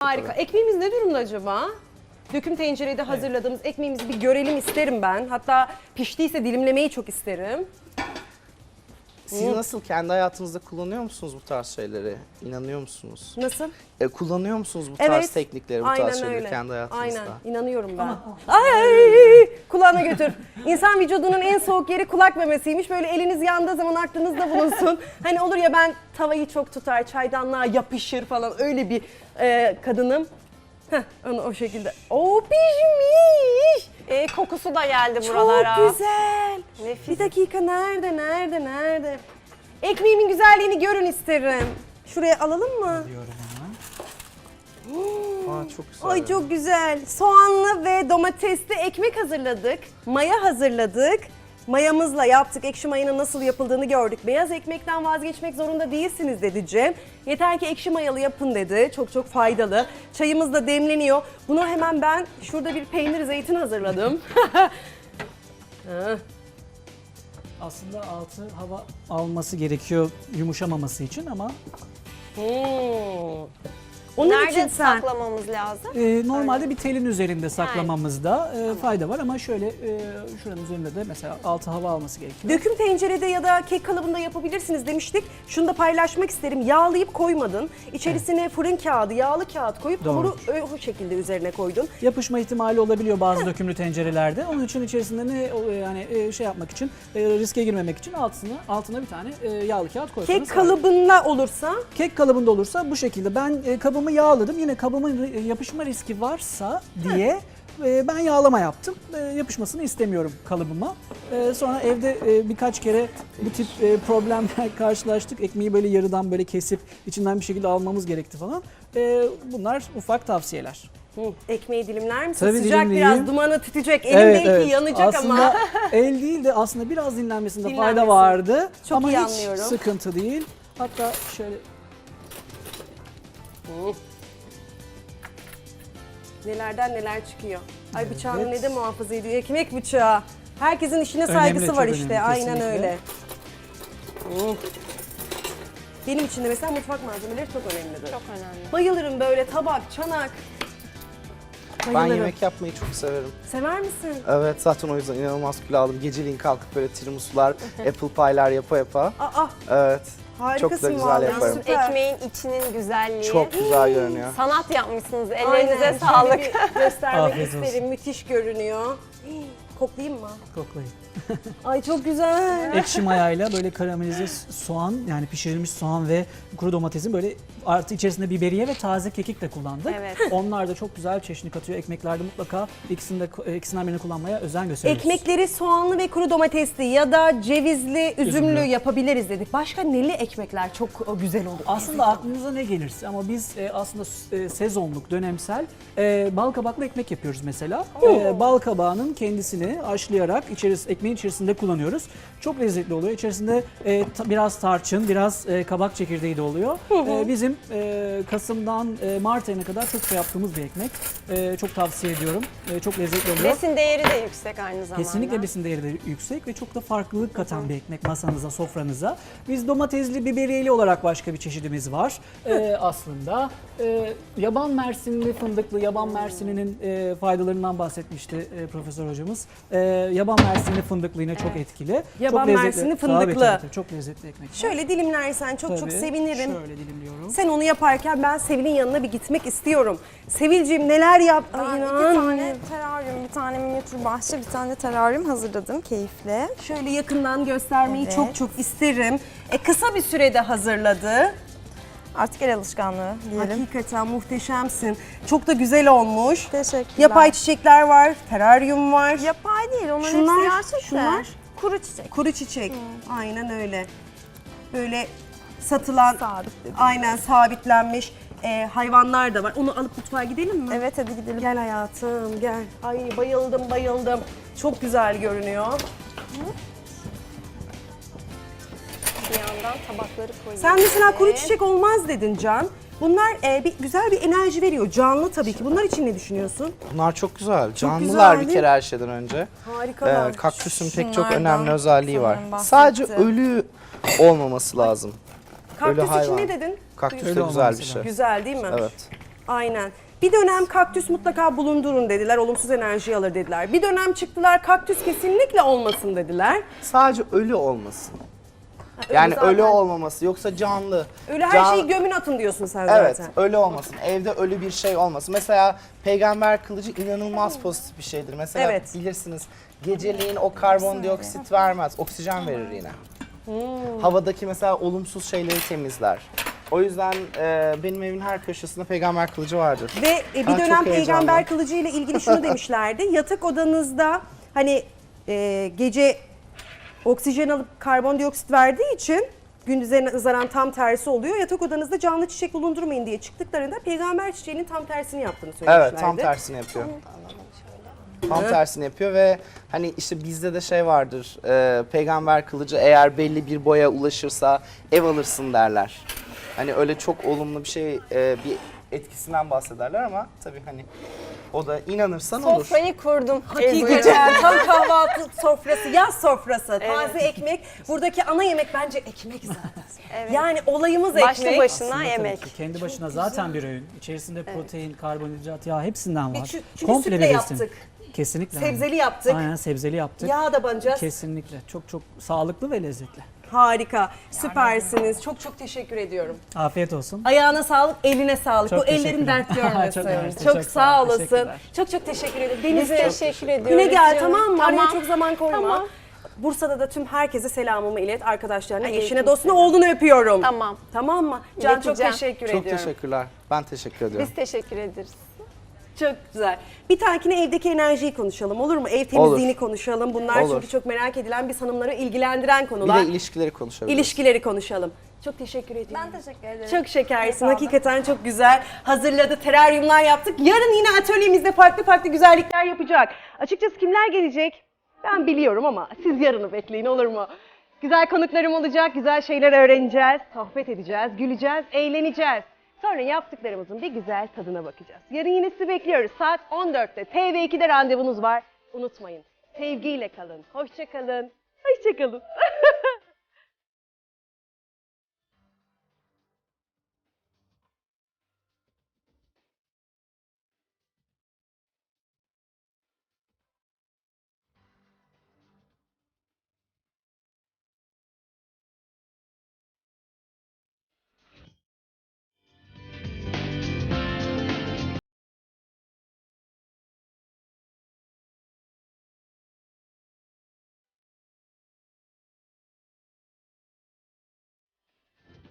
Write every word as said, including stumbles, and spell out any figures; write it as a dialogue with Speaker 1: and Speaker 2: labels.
Speaker 1: Harika.
Speaker 2: tabii.
Speaker 1: Ekmeğimiz ne durumda acaba? Döküm tencerede hazırladığımız ekmeğimizi bir görelim isterim ben. Hatta piştiyse dilimlemeyi çok isterim.
Speaker 2: Siz nasıl kendi hayatınızda kullanıyor musunuz bu tarz şeyleri? İnanıyor musunuz?
Speaker 1: Nasıl?
Speaker 2: E, kullanıyor musunuz bu tarz
Speaker 1: Evet.
Speaker 2: teknikleri, bu
Speaker 1: Aynen
Speaker 2: tarz şeyleri
Speaker 1: öyle.
Speaker 2: kendi hayatınızda?
Speaker 1: Aynen. İnanıyorum ben. Ay! Kulağına götür. İnsan vücudunun en soğuk yeri kulak memesiymiş. Böyle eliniz yandığı zaman aklınızda bulunsun. Hani olur ya, ben tavayı çok tutar, çaydanlığa yapışır falan, öyle bir e, kadınım. Heh, onu o şekilde. O pişmiş.
Speaker 3: E, kokusu da geldi buralara.
Speaker 1: Çok güzel.
Speaker 3: Nefis.
Speaker 1: Bir dakika, nerede, nerede, nerede? Ekmeğimin güzelliğini görün isterim. Şuraya alalım mı?
Speaker 4: Diyorum hemen.
Speaker 2: Aa, çok güzel.
Speaker 1: Ay çok güzel. Soğanlı ve domatesli ekmek hazırladık. Maya hazırladık. Mayamızla yaptık. Ekşi mayanın nasıl yapıldığını gördük. Beyaz ekmekten vazgeçmek zorunda değilsiniz dedi Cem. Yeter ki ekşi mayalı yapın dedi. Çok çok faydalı. Çayımız da demleniyor. Bunu hemen ben şurada bir peynir zeytin hazırladım.
Speaker 4: Aslında altı hava alması gerekiyor yumuşamaması için ama
Speaker 1: Hmm. Onun
Speaker 3: Nerede
Speaker 1: için sen
Speaker 3: saklamamız lazım?
Speaker 4: e, normalde bir telin üzerinde saklamamızda e, fayda var ama şöyle e, şuranın üzerinde de mesela altı hava alması gerekiyor.
Speaker 1: döküm tencerede ya da kek kalıbında yapabilirsiniz demiştik. Şunu da paylaşmak isterim. Yağlayıp koymadın. İçerisine fırın kağıdı, yağlı kağıt koyup
Speaker 4: Doğru.
Speaker 1: hamuru ö- o şekilde üzerine koydun.
Speaker 4: Yapışma ihtimali olabiliyor bazı dökümlü tencerelerde. Onun için içerisinde ne o, yani e, şey yapmak için, e, riske girmemek için altına altına bir tane e, yağlı kağıt koysanız.
Speaker 1: Kek kalıbında olursa
Speaker 4: Kek kalıbında olursa bu şekilde ben e, kabımı yağladım. Yine kabımın e, yapışma riski varsa diye e, ben yağlama yaptım. E, yapışmasını istemiyorum kalıbıma. E, sonra evde e, birkaç kere bu tip e, problemler karşılaştık. Ekmeği böyle yarıdan böyle kesip içinden bir şekilde almamız gerekti falan. E, bunlar ufak tavsiyeler.
Speaker 1: Hı, ekmeği dilimler misin?
Speaker 4: Tabii
Speaker 1: Sıcak
Speaker 4: dilimleyeyim.
Speaker 1: biraz, dumanı tütecek. Elimdeki yanacak
Speaker 4: aslında
Speaker 1: ama.
Speaker 4: el değil de aslında biraz dinlenmesinde
Speaker 1: Dinlenmesi.
Speaker 4: fayda vardı.
Speaker 1: Çok
Speaker 4: ama
Speaker 1: iyi
Speaker 4: hiç
Speaker 1: anlıyorum.
Speaker 4: sıkıntı değil. Hatta şöyle
Speaker 1: Hı. Nelerden neler çıkıyor. Ay bıçağını
Speaker 4: Evet.
Speaker 1: ne de muhafaza ediyor. Ekmek bıçağı. Herkesin işine
Speaker 4: Önemli,
Speaker 1: saygısı
Speaker 4: çok
Speaker 1: var
Speaker 4: önemli,
Speaker 1: işte. Aynen
Speaker 4: kesinlikle.
Speaker 1: öyle. Hı. Benim için de mesela mutfak malzemeleri çok önemlidir.
Speaker 3: Çok önemli.
Speaker 1: Bayılırım böyle tabak, çanak.
Speaker 2: Ben
Speaker 1: Bayılırım.
Speaker 2: yemek yapmayı çok severim.
Speaker 1: Sever misin?
Speaker 2: Evet, zaten o yüzden inanılmaz kilo aldım. Geceliğin kalkıp böyle tiramisular, apple pie'ler yapa yapa.
Speaker 1: Aa,
Speaker 2: Evet.
Speaker 1: harikasın
Speaker 2: Çok da güzel
Speaker 1: vallahi.
Speaker 2: yaparım.
Speaker 1: Süper.
Speaker 3: Ekmeğin içinin güzelliği.
Speaker 2: Çok güzel görünüyor.
Speaker 3: Sanat yapmışsınız.
Speaker 1: Aynen.
Speaker 3: Ellerinize
Speaker 1: Şöyle
Speaker 3: sağlık.
Speaker 1: bir göstermek
Speaker 4: Afiyet olsun.
Speaker 1: isterim. Müthiş görünüyor. Hii, koklayayım mı?
Speaker 4: koklayın.
Speaker 1: Ay çok güzel.
Speaker 4: Ekşi mayayla böyle karamelize soğan, yani pişirilmiş soğan ve kuru domatesin böyle artı içerisinde biberiye ve taze kekik de kullandık.
Speaker 3: Evet.
Speaker 4: Onlar da çok güzel çeşni katıyor. Ekmeklerde mutlaka ikisini de, ikisinden birini kullanmaya özen gösteriyoruz.
Speaker 1: Ekmekleri soğanlı ve kuru domatesli ya da cevizli, üzümlü,
Speaker 4: Üzümlü.
Speaker 1: yapabiliriz dedik. Başka neli ekmekler çok o, güzel olur.
Speaker 4: Aslında aklınıza ne gelirse ama biz e, aslında e, sezonluk, dönemsel e, bal kabaklı ekmek yapıyoruz mesela. E, bal kabağının kendisini haşlayarak içeris, ekmeğin içerisinde kullanıyoruz. Çok lezzetli oluyor. İçerisinde e, ta, biraz tarçın, biraz e, kabak çekirdeği de oluyor. E, bizim e, Kasım'dan e, Mart ayına kadar çok şey yaptığımız bir ekmek. E, çok tavsiye ediyorum. E, çok lezzetli oluyor.
Speaker 3: Besin değeri de yüksek aynı zamanda.
Speaker 4: Kesinlikle besin değeri de yüksek ve çok da farklılık katan bir ekmek masanıza, sofranıza. Biz domatesli, biberiyeli olarak başka bir çeşidimiz var. Ee, aslında e, yaban mersinli fındıklı, yaban mersininin e, faydalarından bahsetmişti e, Profesör Hocamız. E, yaban mersinli fındıklı yine çok etkili.
Speaker 1: Yaban
Speaker 4: çok lezzetli.
Speaker 1: mersinli
Speaker 4: Tabii,
Speaker 1: fındıklı.
Speaker 4: tabii, tabii. Çok lezzetli ekmek.
Speaker 1: Şöyle dilimlersen çok çok
Speaker 4: Tabii.
Speaker 1: sevinirim.
Speaker 4: Şöyle dilimliyorum.
Speaker 1: Sen onu yaparken ben Sevil'in yanına bir gitmek istiyorum. Sevil'ciğim neler yap...
Speaker 5: Ben
Speaker 1: Ay,
Speaker 5: iki
Speaker 1: inan.
Speaker 5: tane teraryum, bir tane minyatür bahçe, bir tane de teraryum hazırladım keyifle.
Speaker 1: Şöyle yakından göstermeyi
Speaker 5: Evet.
Speaker 1: çok çok isterim. E, kısa bir sürede hazırladı.
Speaker 5: Artık el alışkanlığı diyelim.
Speaker 1: Hakikaten muhteşemsin. Çok da güzel olmuş.
Speaker 5: Teşekkürler.
Speaker 1: Yapay çiçekler var, teraryum var.
Speaker 5: Yapay değil, onların
Speaker 1: Şunlar,
Speaker 5: hepsi gerçek de.
Speaker 1: şunlar.
Speaker 5: Kuru çiçek.
Speaker 1: Kuru çiçek. Aynen öyle. Böyle satılan,
Speaker 5: Sabit dedim.
Speaker 1: aynen sabitlenmiş e, hayvanlar da var. Onu alıp mutfağa gidelim mi?
Speaker 5: Evet, hadi gidelim.
Speaker 1: Gel hayatım, gel. Ay bayıldım, bayıldım. Çok güzel görünüyor.
Speaker 3: Bir yandan tabakları koyuyoruz.
Speaker 1: Sen mesela kuru çiçek olmaz dedin Can. Bunlar e, bir, güzel bir enerji veriyor. Canlı tabii ki. Bunlar için ne düşünüyorsun?
Speaker 2: Bunlar çok güzel. Canlılar
Speaker 1: güzel,
Speaker 2: bir
Speaker 1: değil
Speaker 2: kere her şeyden önce.
Speaker 1: Harikalar.
Speaker 2: Ee, kaktüsün pek çok
Speaker 5: Şunlardan
Speaker 2: önemli özelliği var.
Speaker 5: sanırım
Speaker 2: Sadece
Speaker 5: bahsetti.
Speaker 2: ölü olmaması lazım.
Speaker 1: Kaktüs
Speaker 2: ölü
Speaker 1: için
Speaker 2: hayvan.
Speaker 1: ne dedin?
Speaker 2: Kaktüs
Speaker 4: Ölü
Speaker 2: de güzel
Speaker 4: olmaması
Speaker 2: bir şey.
Speaker 4: lazım.
Speaker 1: Güzel değil mi?
Speaker 2: Evet.
Speaker 1: Aynen. Bir dönem kaktüs mutlaka bulundurun dediler, olumsuz enerji alır dediler. Bir dönem çıktılar kaktüs kesinlikle olmasın dediler.
Speaker 2: Sadece ölü olmasın.
Speaker 1: ölü
Speaker 2: Yani
Speaker 1: zaten.
Speaker 2: ölü olmaması yoksa canlı.
Speaker 1: Öyle her
Speaker 2: Can-
Speaker 1: şeyi gömün atın diyorsun sen
Speaker 2: Evet,
Speaker 1: zaten.
Speaker 2: ölü olmasın. Evde ölü bir şey olmasın. Mesela peygamber kılıcı inanılmaz pozitif bir şeydir. Mesela
Speaker 1: Evet.
Speaker 2: bilirsiniz geceliğin o karbondioksit vermez, oksijen verir yine. Havadaki mesela olumsuz şeyleri temizler. O yüzden e, benim evimin her köşesinde peygamber kılıcı vardır.
Speaker 1: Ve e, bir
Speaker 2: Ha, çok
Speaker 1: dönem
Speaker 2: heyecanlı.
Speaker 1: peygamber kılıcı ile ilgili şunu demişlerdi. Yatak odanızda hani e, gece oksijen alıp karbondioksit verdiği için gündüze nazaran tam tersi oluyor. Yatak odanızda canlı çiçek bulundurmayın diye çıktıklarında peygamber çiçeğinin tam tersini yaptığını söylemişlerdi.
Speaker 2: Evet, tam tersini yapıyor. Tam tersini yapıyor ve hani işte bizde de şey vardır. e, peygamber kılıcı eğer belli bir boya ulaşırsa ev alırsın derler. Hani öyle çok olumlu bir şey, e, bir etkisinden bahsederler ama tabii hani o da inanırsan olur.
Speaker 3: Sofrayı kurdum.
Speaker 1: Hakikaten tam kahvaltı sofrası, yaz sofrası, taze ekmek. Buradaki ana yemek bence ekmek zaten.
Speaker 3: Evet.
Speaker 1: Yani olayımız
Speaker 3: Başlı
Speaker 1: ekmek.
Speaker 3: başına
Speaker 4: Aslında
Speaker 3: yemek.
Speaker 4: tabii ki kendi başına zaten bir öğün. İçerisinde protein, karbonhidrat, yağ hepsinden var.
Speaker 1: Çünkü- çünkü sütle
Speaker 4: bir besin.
Speaker 1: yaptık.
Speaker 4: Kesinlikle.
Speaker 1: Sebzeli yaptık.
Speaker 4: Aynen sebzeli yaptık.
Speaker 1: Yağ da banacağız.
Speaker 4: Kesinlikle. Çok çok sağlıklı ve lezzetli.
Speaker 1: Harika, süpersiniz. Çok çok teşekkür ediyorum.
Speaker 4: Afiyet olsun.
Speaker 1: Ayağına sağlık, eline sağlık.
Speaker 4: Çok
Speaker 1: Bu ellerin
Speaker 4: teşekkürler.
Speaker 1: dert görmesin.
Speaker 4: Çok
Speaker 1: çok
Speaker 4: mersi, çok
Speaker 1: sağ
Speaker 4: sağ ol,
Speaker 1: olasın.
Speaker 4: teşekkürler.
Speaker 1: Çok çok teşekkür ederim.
Speaker 3: Biz
Speaker 1: Denize
Speaker 3: teşekkür ediyoruz.
Speaker 1: güne gel
Speaker 3: canım.
Speaker 1: tamam mı? Araya
Speaker 3: Tamam.
Speaker 1: çok zaman koyma.
Speaker 3: Tamam.
Speaker 1: Bursa'da da tüm herkese selamımı ilet. Arkadaşlarına,
Speaker 3: Aleyküm
Speaker 1: eşine, dostuna,
Speaker 3: selam.
Speaker 1: oğlunu öpüyorum.
Speaker 3: Tamam.
Speaker 1: Tamam mı? Can çok
Speaker 3: İleteceğim.
Speaker 1: teşekkür
Speaker 2: Çok
Speaker 1: ediyorum.
Speaker 2: teşekkürler. Ben teşekkür ediyorum.
Speaker 3: Biz teşekkür ederiz.
Speaker 1: Çok güzel. Bir tahkine evdeki enerjiyi konuşalım olur mu? Ev temizliğini
Speaker 2: Olur.
Speaker 1: konuşalım. Bunlar
Speaker 2: Olur.
Speaker 1: çünkü çok merak edilen, biz hanımları ilgilendiren
Speaker 2: Bir
Speaker 1: konular.
Speaker 2: de ilişkileri konuşabiliriz.
Speaker 1: İlişkileri konuşalım. Çok teşekkür ediyorum.
Speaker 5: Ben teşekkür ederim.
Speaker 1: Çok şekersin.
Speaker 5: Sağ olun.
Speaker 1: Hakikaten çok güzel. Hazırladı, teraryumlar yaptık. Yarın yine atölyemizde farklı farklı güzellikler yapacak. Açıkçası kimler gelecek? Ben biliyorum ama siz yarını bekleyin olur mu? Güzel konuklarım olacak, güzel şeyler öğreneceğiz, sohbet edeceğiz, güleceğiz, eğleneceğiz. Sonra yaptıklarımızın bir güzel tadına bakacağız. Yarın yine sizi bekliyoruz. Saat on dörtte T V ikide randevunuz var. Unutmayın. Sevgiyle kalın. Hoşça kalın. Hoşça kalın.